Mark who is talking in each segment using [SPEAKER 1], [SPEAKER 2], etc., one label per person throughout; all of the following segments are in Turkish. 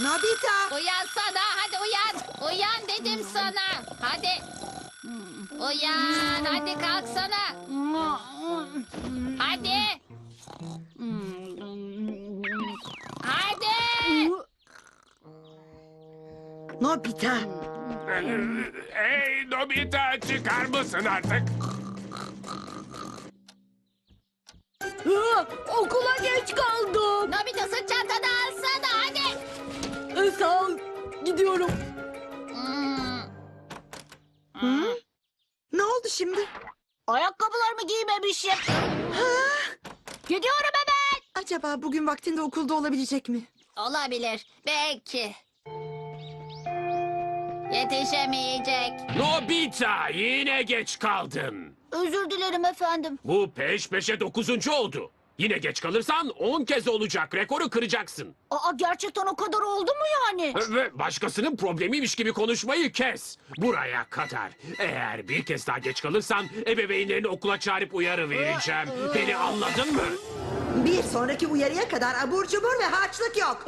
[SPEAKER 1] Nobita!
[SPEAKER 2] Uyansana, hadi uyan. Uyan dedim sana. Hadi. Uyan, hadi kalksana. Hadi. Hadi.
[SPEAKER 1] Nobita!
[SPEAKER 3] Hey Nobita, çıkar mısın artık?
[SPEAKER 4] Okula geç kaldım.
[SPEAKER 2] Nobita, sırt çantanı alsana, hadi.
[SPEAKER 4] Sağ ol. Gidiyorum.
[SPEAKER 1] Ne oldu şimdi?
[SPEAKER 4] Ayakkabılarımı giymemişim. Gidiyorum hemen.
[SPEAKER 1] Acaba bugün vaktinde okulda olabilecek mi?
[SPEAKER 2] Olabilir, belki. Yetişemeyecek.
[SPEAKER 3] Nobita, yine geç kaldın.
[SPEAKER 4] Özür dilerim efendim.
[SPEAKER 3] Bu peş peşe 9. oldu. Yine geç kalırsan 10 kez olacak. Rekoru kıracaksın.
[SPEAKER 4] Gerçekten o kadar oldu mu yani?
[SPEAKER 3] Ve başkasının problemiymiş gibi konuşmayı kes. Buraya kadar. Eğer bir kez daha geç kalırsan ebeveynlerini okula çağırıp uyarı vereceğim. Beni anladın mı?
[SPEAKER 1] Bir sonraki uyarıya kadar abur cubur ve harçlık yok.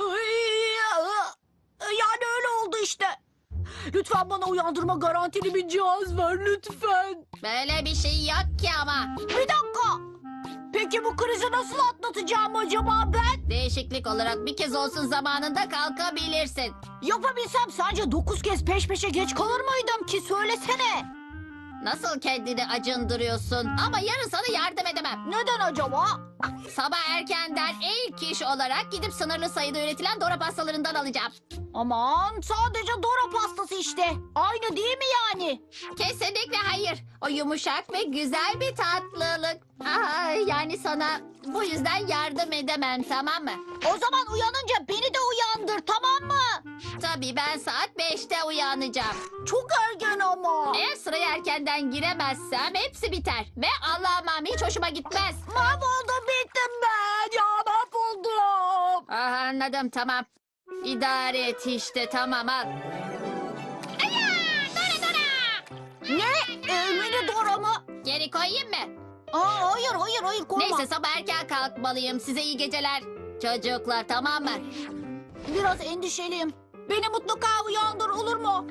[SPEAKER 4] Yani öyle oldu işte. Lütfen bana uyandırma garantili bir cihaz ver lütfen.
[SPEAKER 2] Böyle bir şey yok ki ama.
[SPEAKER 4] Bir dakika. Peki bu krizi nasıl atlatacağım acaba ben?
[SPEAKER 2] Değişiklik olarak bir kez olsun zamanında kalkabilirsin.
[SPEAKER 4] Yapabilsem sadece 9 kez peş peşe geç kalır mıydım ki söylesene.
[SPEAKER 2] Nasıl kendini acındırıyorsun? Ama yarın sana yardım edemem.
[SPEAKER 4] Neden acaba?
[SPEAKER 2] Sabah erkenden ilk iş olarak gidip sınırlı sayıda üretilen Dora pastalarından alacağım.
[SPEAKER 4] Aman sadece Dora pastası işte. Aynı değil mi yani?
[SPEAKER 2] Kesinlikle hayır. O yumuşak ve güzel bir tatlılık. Yani sana bu yüzden yardım edemem, tamam mı?
[SPEAKER 4] O zaman uyanınca beni de uyandır, tamam mı?
[SPEAKER 2] Tabii ben saat 5'te uyanacağım.
[SPEAKER 4] Çok erken ama.
[SPEAKER 2] Eğer sıraya erkenden giremezsem hepsi biter. Ve alamam, hiç hoşuma gitmez.
[SPEAKER 4] Mahvoldum, bittim ben. Ya mahvoldum.
[SPEAKER 2] Anladım, tamam. İdare et işte, tamam, al. Aya, Dora Dora.
[SPEAKER 4] Ne? Mini Dora mı?
[SPEAKER 2] Geri koyayım mı?
[SPEAKER 4] Hayır koyma.
[SPEAKER 2] Neyse, sabah erken kalkmalıyım. Size iyi geceler. Çocuklar, tamam mı?
[SPEAKER 4] Biraz endişeliyim. Beni mutlaka uyandır, olur mu?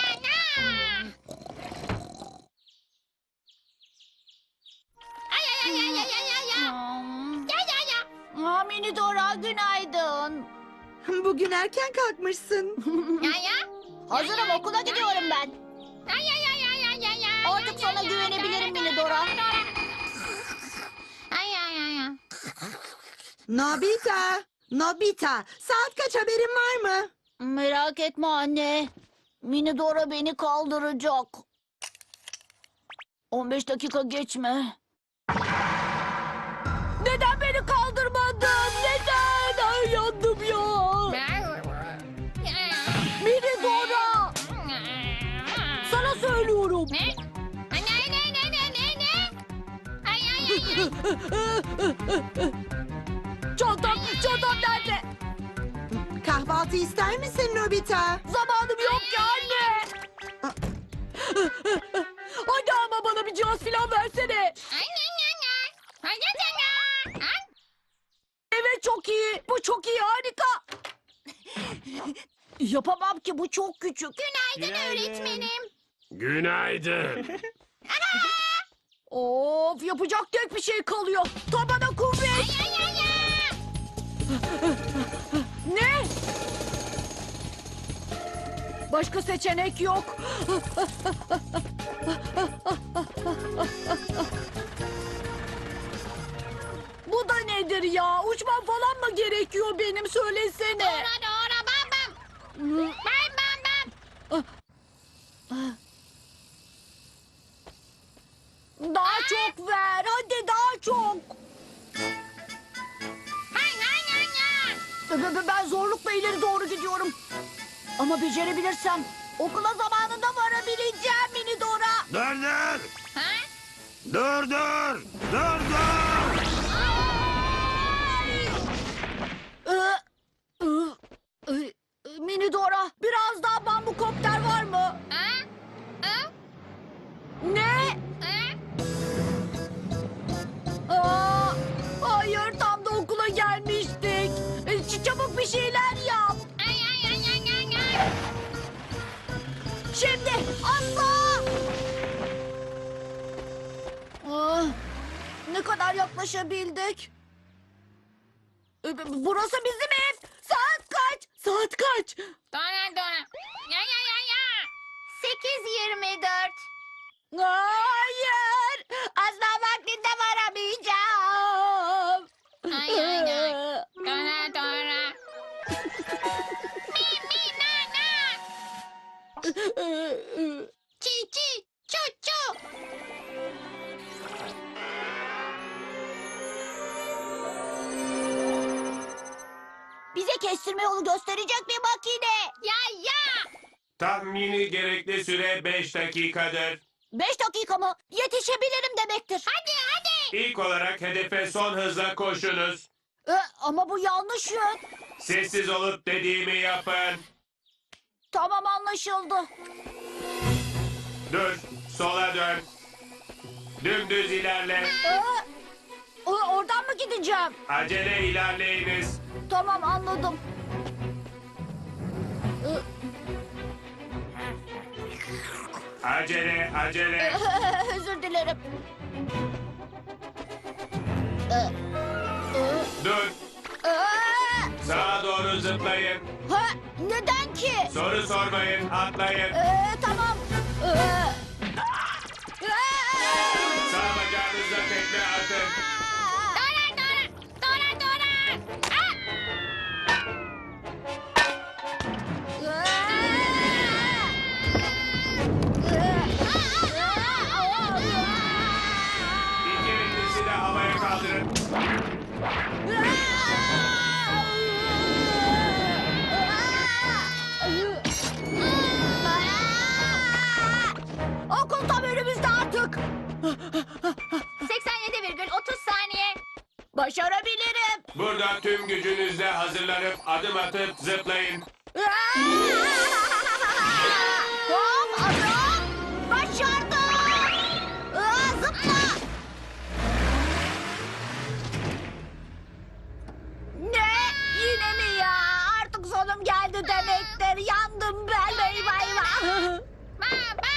[SPEAKER 2] Ay ay ay ay ay ay ay ay. Ya ya ya.
[SPEAKER 4] Mini Dora günaydın.
[SPEAKER 1] Bugün erken kalkmışsın.
[SPEAKER 2] Ya ya.
[SPEAKER 4] Hazırım, okula gidiyorum ben.
[SPEAKER 2] Ay ay ay ay ay ay ay.
[SPEAKER 4] Artık sana güvenebilirim Mini Dora.
[SPEAKER 2] Ay ay ay ay.
[SPEAKER 1] Nobita! Nobita! Saat kaç, haberin var mı?
[SPEAKER 4] Merak etme anne. Mini Dora beni kaldıracak. 15 dakika geçme. Neden beni kaldırmadın? Neden? Ay yandım ya. Mini Dora. Sana söylüyorum.
[SPEAKER 2] Ne? Ay ne? Ay ay ay ay.
[SPEAKER 4] Çantam nerede?
[SPEAKER 1] Kahvaltı ister misin Nobita?
[SPEAKER 4] Zamanım yok ki anne. Hadi ama bana bir cihaz falan versene.
[SPEAKER 2] Ay ne ne. Ay ne ne.
[SPEAKER 4] Evet, çok iyi. Bu çok iyi, harika. Yapamam ki, bu çok küçük.
[SPEAKER 2] Günaydın öğretmenim.
[SPEAKER 3] Günaydın.
[SPEAKER 4] Of, yapacak tek bir şey kalıyor. Tabana kuvvet.
[SPEAKER 2] Ay ay ay ay.
[SPEAKER 4] Ne? Başka seçenek yok. Bu da nedir ya? Uçmam falan mı gerekiyor benim, söylesene.
[SPEAKER 2] Dora bam bam. Bam bam bam.
[SPEAKER 4] Daha çok ver. Hadi daha çok.
[SPEAKER 2] Ay ay ay ay.
[SPEAKER 4] Ben zorlukla ileri doğru gidiyorum. Ama becerebilirsem okula zamanında varabileceğim Mini Dora.
[SPEAKER 3] Dur dur.
[SPEAKER 2] Ha?
[SPEAKER 3] Dur dur. Dur dur.
[SPEAKER 4] Mini Dora, biraz daha bambukopter var mı?
[SPEAKER 2] Ha? Ha?
[SPEAKER 4] Ne?
[SPEAKER 2] Ha?
[SPEAKER 4] Hayır, tam da okula gelmiştik. Çabuk bir şeyler yap.
[SPEAKER 2] Ay ay ay
[SPEAKER 4] kadar yaklaşabildik? Burası bizim ev. Saat kaç? Saat kaç?
[SPEAKER 2] Dora. Ya. 8:24.
[SPEAKER 4] Hayır. Asla vaktinde varamayacağım.
[SPEAKER 2] Ay. Dora. Mi, Çi, çu.
[SPEAKER 4] Bize kestirme yolu gösterecek bir makine.
[SPEAKER 2] Ya.
[SPEAKER 5] Tahmini gerekli süre 5 dakikadır.
[SPEAKER 4] 5 dakika mı? Yetişebilirim demektir.
[SPEAKER 2] Hadi.
[SPEAKER 5] İlk olarak hedefe son hızla koşunuz.
[SPEAKER 4] Ama bu yanlış yön.
[SPEAKER 5] Sessiz olup dediğimi yapın.
[SPEAKER 4] Tamam, anlaşıldı.
[SPEAKER 5] Dur, sola dön. Dümdüz ilerle.
[SPEAKER 4] Oradan mı gideceğim?
[SPEAKER 5] Acele ilerleyiniz.
[SPEAKER 4] Tamam, anladım.
[SPEAKER 5] Acele.
[SPEAKER 4] Özür dilerim.
[SPEAKER 5] Dur, sağa doğru zıplayın.
[SPEAKER 4] Neden ki?
[SPEAKER 5] Soru sormayın, atlayın.
[SPEAKER 4] Tamam.
[SPEAKER 5] Sağ bacağınızla tekme atın.
[SPEAKER 2] Dora.
[SPEAKER 5] İki elinizi de havaya kaldırın.
[SPEAKER 4] Okul tam önümüzde artık.
[SPEAKER 2] 87,30 saniye.
[SPEAKER 4] Başarabilirim.
[SPEAKER 5] Burada tüm gücünüzle hazırlanıp adım atıp zıplayın.
[SPEAKER 4] Hop, adım. Başardım. Zıpla. Ne? Yine mi ya? Artık sonum geldi demektir. Yandım ben. Eyvah.
[SPEAKER 2] Baba.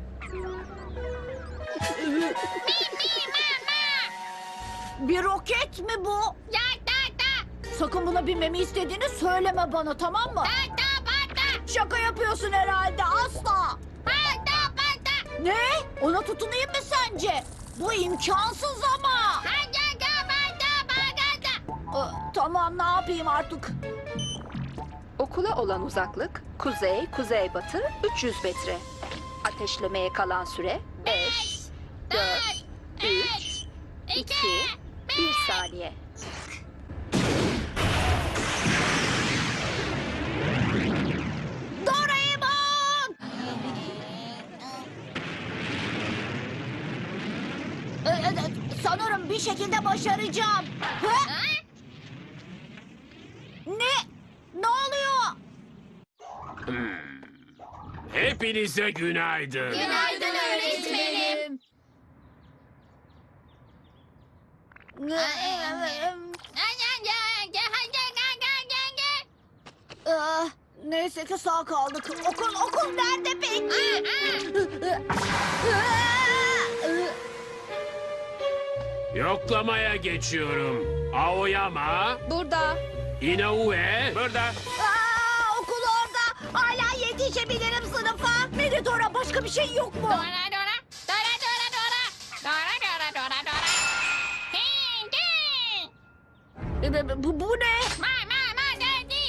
[SPEAKER 4] Bir roket mi bu?
[SPEAKER 2] Ya da.
[SPEAKER 4] Sakın buna binmemi istediğini söyleme bana, tamam mı? Şaka yapıyorsun herhalde, asla. Ne? Ona tutunayım mı sence? Bu imkansız ama. Tamam, ne yapayım artık?
[SPEAKER 6] Okula olan uzaklık kuzey-kuzeybatı 300 metre. Ateşlemeye kalan süre 5, 4, 3, 2, 1 saniye.
[SPEAKER 4] Doraemon! Sanırım bir şekilde başaracağım. Ne? Ne oluyor?
[SPEAKER 3] Hepinize günaydın.
[SPEAKER 2] Günaydın öğretmenim.
[SPEAKER 4] Neyse ki sağ kaldık. Okul nerede peki?
[SPEAKER 3] Yoklamaya geçiyorum. Aoyama,
[SPEAKER 6] Burada.
[SPEAKER 3] Inoue,
[SPEAKER 5] Burada.
[SPEAKER 4] Okul orada. Hala yetişebilirim sınıfa. Meridora, başka bir şey yok mu?
[SPEAKER 2] Dora. Hindi.
[SPEAKER 4] Bu ne?
[SPEAKER 2] Daddy.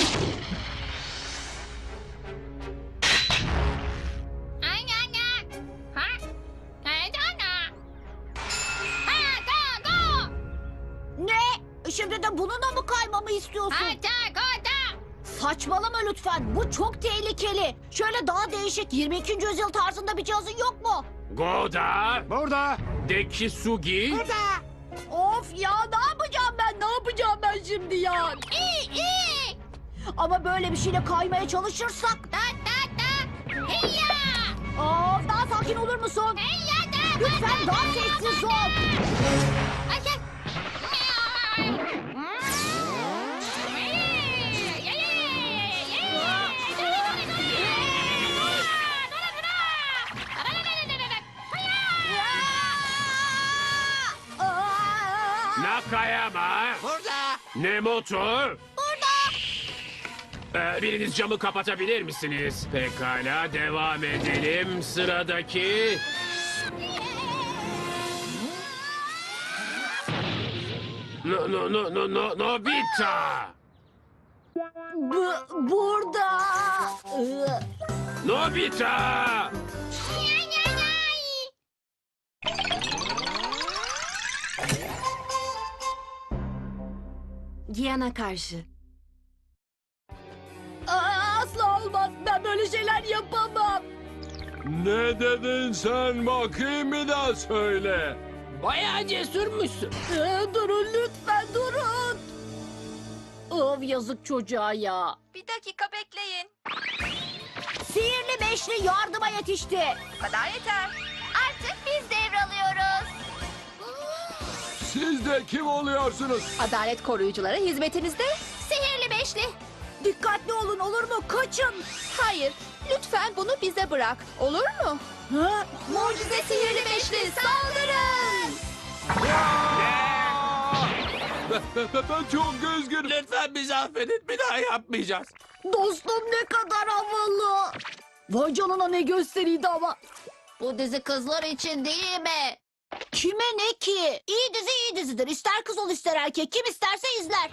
[SPEAKER 2] Ay. Ha? Go.
[SPEAKER 4] Ne? Şimdi de bununla mı kaymamı istiyorsun?
[SPEAKER 2] Go.
[SPEAKER 4] Saçmalama lütfen. Bu çok tehlikeli. Şöyle daha değişik 22. yüzyıl tarzında bir cihazın yok mu?
[SPEAKER 3] Goda,
[SPEAKER 5] Burada.
[SPEAKER 3] Dekisugi,
[SPEAKER 4] Of ya, ne yapacağım ben şimdi ya?
[SPEAKER 2] İyi.
[SPEAKER 4] Ama böyle bir şeyle kaymaya çalışırsak...
[SPEAKER 2] Da. Hiya.
[SPEAKER 4] Of, daha sakin olur musun?
[SPEAKER 2] Hiya da.
[SPEAKER 4] Lütfen daha sessiz ol.
[SPEAKER 3] Takaya mı?
[SPEAKER 7] Burada.
[SPEAKER 3] Ne motor? Biriniz camı kapatabilir misiniz? Pekala, devam edelim. Sıradaki... Nobita!
[SPEAKER 4] Burada.
[SPEAKER 3] Nobita!
[SPEAKER 1] Diana karşı.
[SPEAKER 4] Asla olmaz. Ben böyle şeyler yapamam.
[SPEAKER 8] Ne dedin sen bakayım bir daha söyle.
[SPEAKER 7] Bayağı cesurmuşsun.
[SPEAKER 4] Durun lütfen durun. Of yazık çocuğa ya.
[SPEAKER 6] Bir dakika bekleyin.
[SPEAKER 4] Sihirli beşli yardıma yetişti.
[SPEAKER 6] Bu kadar yeter.
[SPEAKER 2] Artık biz devralıyoruz.
[SPEAKER 8] Siz de kim oluyorsunuz?
[SPEAKER 6] Adalet koruyucuları hizmetinizde.
[SPEAKER 2] Sihirli beşli.
[SPEAKER 4] Dikkatli olun olur mu? Kaçın.
[SPEAKER 6] Hayır, lütfen bunu bize bırak. Olur mu?
[SPEAKER 4] Ha?
[SPEAKER 2] Mucize sihirli beşli saldırın.
[SPEAKER 8] Ben çok üzgünüm.
[SPEAKER 7] Lütfen bizi affedin. Bir daha yapmayacağız.
[SPEAKER 4] Dostum ne kadar havalı. Vay canına ne gösteriydi ama.
[SPEAKER 2] Bu dizi kızlar için değil mi?
[SPEAKER 4] Kime ne ki? İyi dizi iyi dizidir. İster kız ol ister erkek. Kim isterse izler.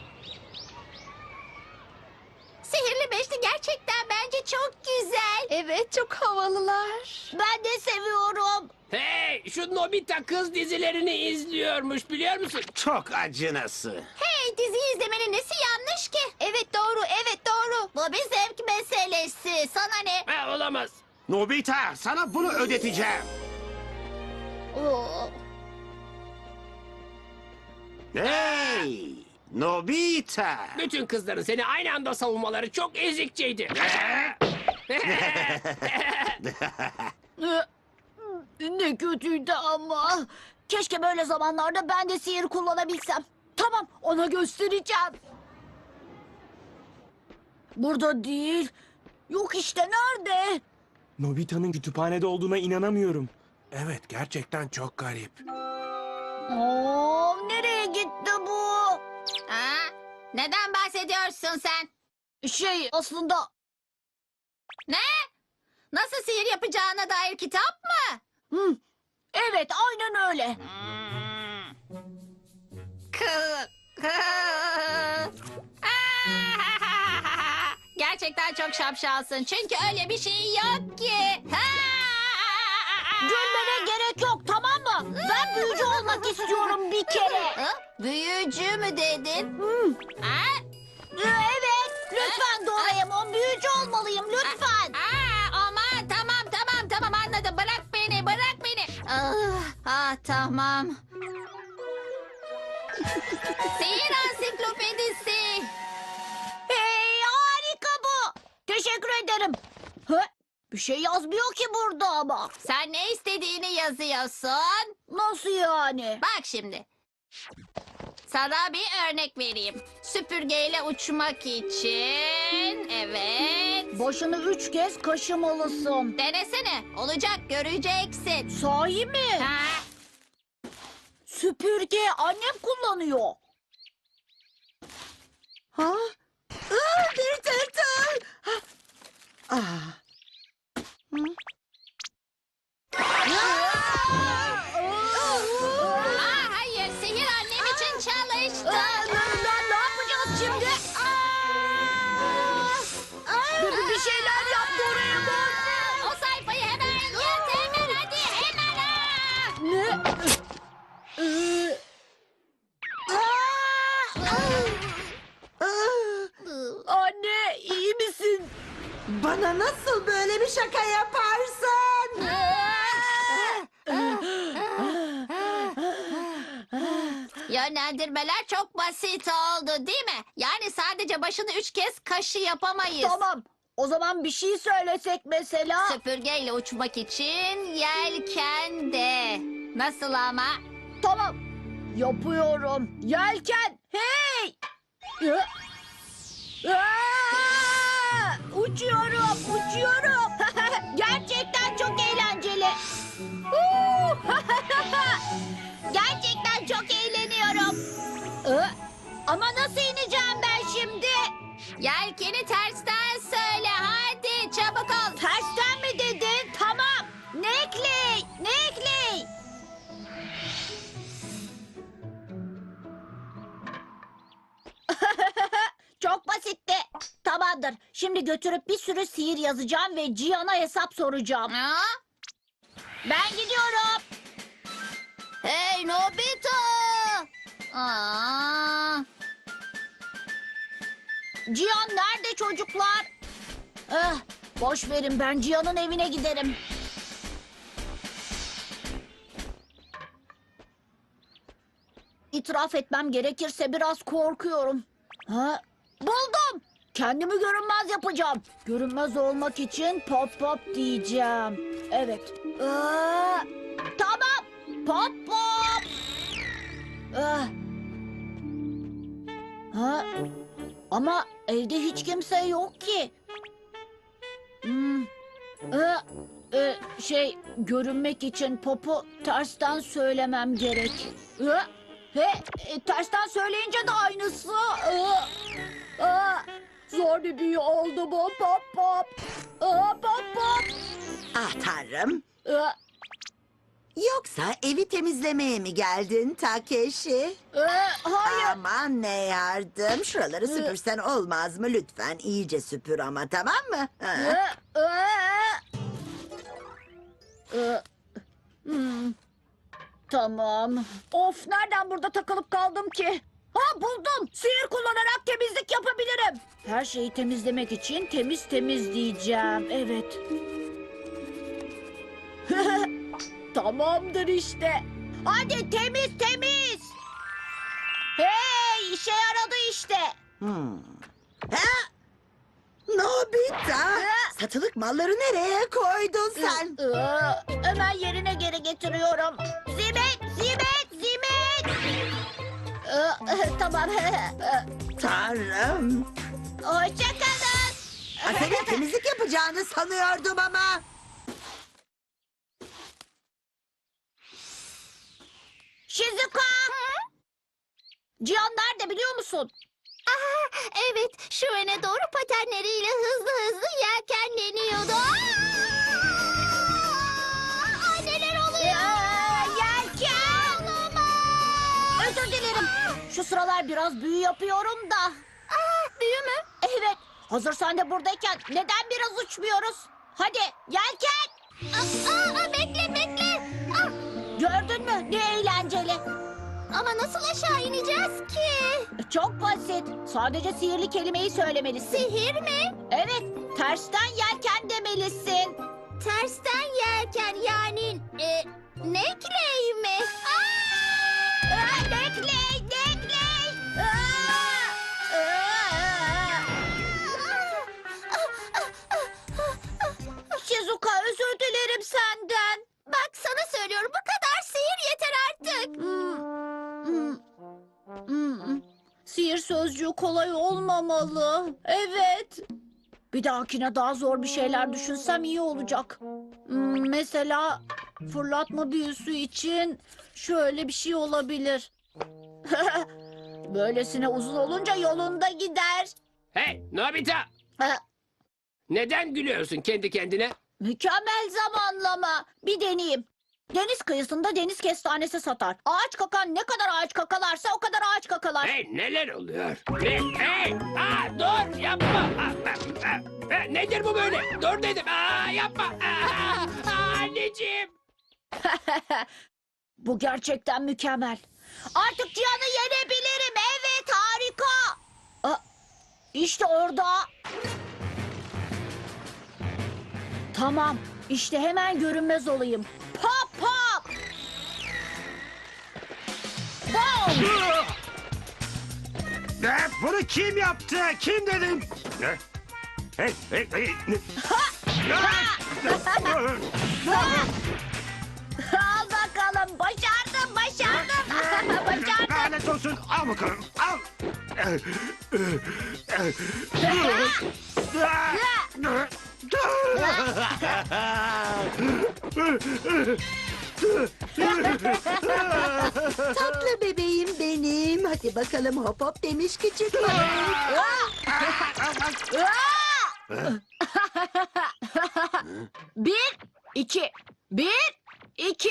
[SPEAKER 2] Sihirli beşli gerçekten bence çok güzel.
[SPEAKER 6] Evet, çok havalılar.
[SPEAKER 4] Ben de seviyorum.
[SPEAKER 7] Hey, şu Nobita kız dizilerini izliyormuş biliyor musun? Çok acınası.
[SPEAKER 2] Hey, diziyi izlemenin nesi yanlış ki? Evet doğru, evet doğru. Bu bir zevk meselesi. Sana ne?
[SPEAKER 7] Ha, olamaz.
[SPEAKER 5] Nobita, sana bunu ödeteceğim.
[SPEAKER 2] Oo.
[SPEAKER 5] Hey! Nobita!
[SPEAKER 7] Bütün kızların seni aynı anda savunmaları çok ezikçeydi.
[SPEAKER 4] Ne kötüydü ama. Keşke böyle zamanlarda ben de sihir kullanabilsem. Tamam ona göstereceğim. Burada değil. Yok işte nerede?
[SPEAKER 9] Nobita'nın kütüphanede olduğuna inanamıyorum. Evet, gerçekten çok garip.
[SPEAKER 4] Nereye gitti bu?
[SPEAKER 2] Ha? Neden bahsediyorsun sen?
[SPEAKER 4] Aslında
[SPEAKER 2] Ne? Nasıl sihir yapacağına dair kitap mı?
[SPEAKER 4] evet aynen öyle.
[SPEAKER 2] Gerçekten çok şapşalsın. Çünkü öyle bir şey yok ki.
[SPEAKER 4] Gülmene gerek yok tamam mı? Ben büyücü olmak istiyorum bir kere.
[SPEAKER 2] Ha? Büyücü mü dedin? Ha?
[SPEAKER 4] Evet lütfen Doraemon büyücü olmalıyım lütfen.
[SPEAKER 2] Aman tamam anladım. Bırak beni. Tamam. Sihir ansiklopedisi.
[SPEAKER 4] Hey harika bu. Teşekkür ederim. Bir şey yazmıyor ki burada ama.
[SPEAKER 2] Sen ne istediğini yazıyorsun.
[SPEAKER 4] Nasıl yani?
[SPEAKER 2] Bak şimdi. Sana bir örnek vereyim. Süpürgeyle uçmak için. Evet.
[SPEAKER 4] Başını 3 kez kaşımalısın.
[SPEAKER 2] Denesene. Olacak, göreceksin.
[SPEAKER 4] Sahi mi?
[SPEAKER 2] Ha?
[SPEAKER 4] Süpürge annem kullanıyor.
[SPEAKER 1] Ha? Bir tırtıl.
[SPEAKER 2] Hayır, sihir annem için çalıştı.
[SPEAKER 4] Ne yapacağız şimdi? Bir şeyler yap Doraemon.
[SPEAKER 2] O sayfayı hemen yırt, hemen hadi, hemen.
[SPEAKER 4] Ne? Anne iyi misin?
[SPEAKER 1] Bana nasıl böyle bir şaka yaparsın?
[SPEAKER 2] Yönlendirmeler çok basit oldu değil mi? Yani sadece başını 3 kez kaşı yapamayız.
[SPEAKER 4] Tamam. O zaman bir şey söylesek mesela.
[SPEAKER 2] Süpürgeyle uçmak için yelken de. Nasıl ama?
[SPEAKER 4] Tamam. Yapıyorum. Yelken. Hey! Uçuyorum, uçuyorum. Gerçekten çok eğlenceli. Gerçekten çok eğleniyorum. Ama nasıl ineceğim ben şimdi?
[SPEAKER 2] Yelkeni tersten söyle hadi çabuk ol.
[SPEAKER 4] Tersten mi dedin? Tamam. Nekley. Nekley. Çok basitti. Tamamdır. Şimdi götürüp bir sürü sihir yazacağım ve Cihan'a hesap soracağım.
[SPEAKER 2] Ha?
[SPEAKER 4] Ben gidiyorum.
[SPEAKER 2] Hey Nobita! Aa,
[SPEAKER 4] Cihan nerede çocuklar? Boş verin, ben Cihan'ın evine giderim. İtiraf etmem gerekirse biraz korkuyorum. Buldum. Kendimi görünmez yapacağım. Görünmez olmak için pop pop diyeceğim. Evet. Tamam. Pop pop. Ama evde hiç kimse yok ki. Görünmek için popu tersten söylemem gerek. Tersten söyleyince de aynısı. Zor bir büyü oldu bu pop pop. Pop pop.
[SPEAKER 1] Ah tanrım.
[SPEAKER 4] Aa,
[SPEAKER 1] Yoksa evi temizlemeye mi geldin Takeshi?
[SPEAKER 4] Hayır.
[SPEAKER 1] Aman ne yardım. Şuraları süpürsen olmaz mı? Lütfen iyice süpür ama, tamam mı? Ha.
[SPEAKER 4] Tamam. Of, nereden burada takılıp kaldım ki? Buldum. Sihir kullanarak temizlik yapabilirim. Her şeyi temizlemek için temiz temiz diyeceğim. Evet. Tamamdır işte. Hadi temiz temiz. Hey, işe yaradı işte.
[SPEAKER 1] Ha? Nobita! Satılık malları nereye koydun sen?
[SPEAKER 4] Hemen yerine geri getiriyorum. Zimet, zimet, zimet. Tamam.
[SPEAKER 1] Tanrım!
[SPEAKER 4] Hoşça kalın.
[SPEAKER 1] Senin temizlik yapacağını sanıyordum ama.
[SPEAKER 4] Shizuka. Cihan nerede biliyor musun?
[SPEAKER 2] evet şu öne doğru patenleriyle hızlı hızlı yelkenleniyordu. Aa, neler oluyor?
[SPEAKER 4] Yelken. Özür dilerim. Şu sıralar biraz büyü yapıyorum da.
[SPEAKER 2] Büyü mü?
[SPEAKER 4] Evet. Hazır sen de buradayken neden biraz uçmuyoruz? Hadi yelken.
[SPEAKER 2] Bekle bekle.
[SPEAKER 4] Gördün mü? Ne eğlenceli.
[SPEAKER 2] Ama nasıl aşağı ineceğiz ki?
[SPEAKER 4] Çok basit. Sadece sihirli kelimeyi söylemelisin.
[SPEAKER 2] Sihir mi?
[SPEAKER 4] Evet. Tersten yelken demelisin.
[SPEAKER 2] Tersten yelken yani nekley mi?
[SPEAKER 4] Nekley, nekley. Shizuka, özür dilerim senden.
[SPEAKER 2] Bak sana söylüyorum bu kadar sihir yeter artık.
[SPEAKER 4] Sihir sözcüğü kolay olmamalı. Evet. Bir dahakine daha zor bir şeyler düşünsem iyi olacak. Mesela fırlatma büyüsü için şöyle bir şey olabilir. Böylesine uzun olunca yolunda gider.
[SPEAKER 7] Hey Nobita! Neden gülüyorsun kendi kendine?
[SPEAKER 4] Mükemmel zamanlama. Bir deneyeyim. Deniz kıyısında deniz kestanesi satar. Ağaç kakan ne kadar ağaç kakalarsa o kadar ağaç kakalar.
[SPEAKER 7] Hey neler oluyor? Hey! Dur yapma! Nedir bu böyle? Dur dedim! Yapma! Anneciğim!
[SPEAKER 4] Bu gerçekten mükemmel. Artık Cihan'ı yenebilirim. Evet, harika. İşte orada. Tamam. İşte hemen görünmez olayım. Pop pop. Bom.
[SPEAKER 8] Bunu kim yaptı? Kim dedim? Hey.
[SPEAKER 4] Al bakalım. Başardım. Başardım.
[SPEAKER 8] Lanet olsun. Al bakalım. Al.
[SPEAKER 1] Tatlı bebeğim benim. Hadi bakalım hop hop demiş küçük balık.
[SPEAKER 4] Bir, iki. Bir, iki.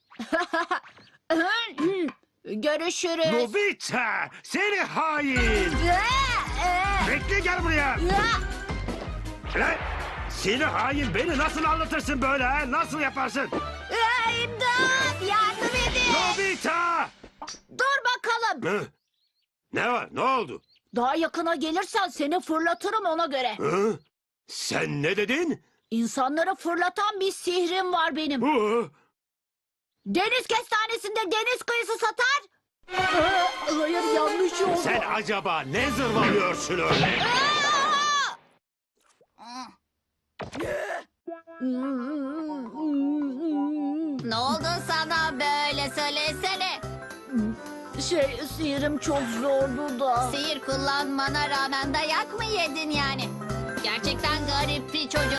[SPEAKER 4] Görüşürüz.
[SPEAKER 7] Nobita! Seni hain! Bekle gel buraya! Lan! Seni hain beni nasıl anlatırsın böyle ha? Nasıl yaparsın?
[SPEAKER 4] İmdat! Yardım edin!
[SPEAKER 7] Nobita!
[SPEAKER 4] Dur bakalım.
[SPEAKER 7] Hı? Ne var? Ne oldu?
[SPEAKER 4] Daha yakına gelirsen seni fırlatırım ona göre.
[SPEAKER 7] Hı? Sen ne dedin?
[SPEAKER 4] İnsanları fırlatan bir sihrim var benim.
[SPEAKER 7] Hı?
[SPEAKER 4] Deniz kestanesinde deniz kıyısı satar. Hayır, yanlış oldu.
[SPEAKER 7] Sen acaba ne zırvalıyorsun öyle?
[SPEAKER 2] Ne oldu sana böyle söylesene.
[SPEAKER 4] Sihrim çok zordu da.
[SPEAKER 2] Sihir kullanmana rağmen dayak mı yedin yani? Gerçekten garip bir çocuk.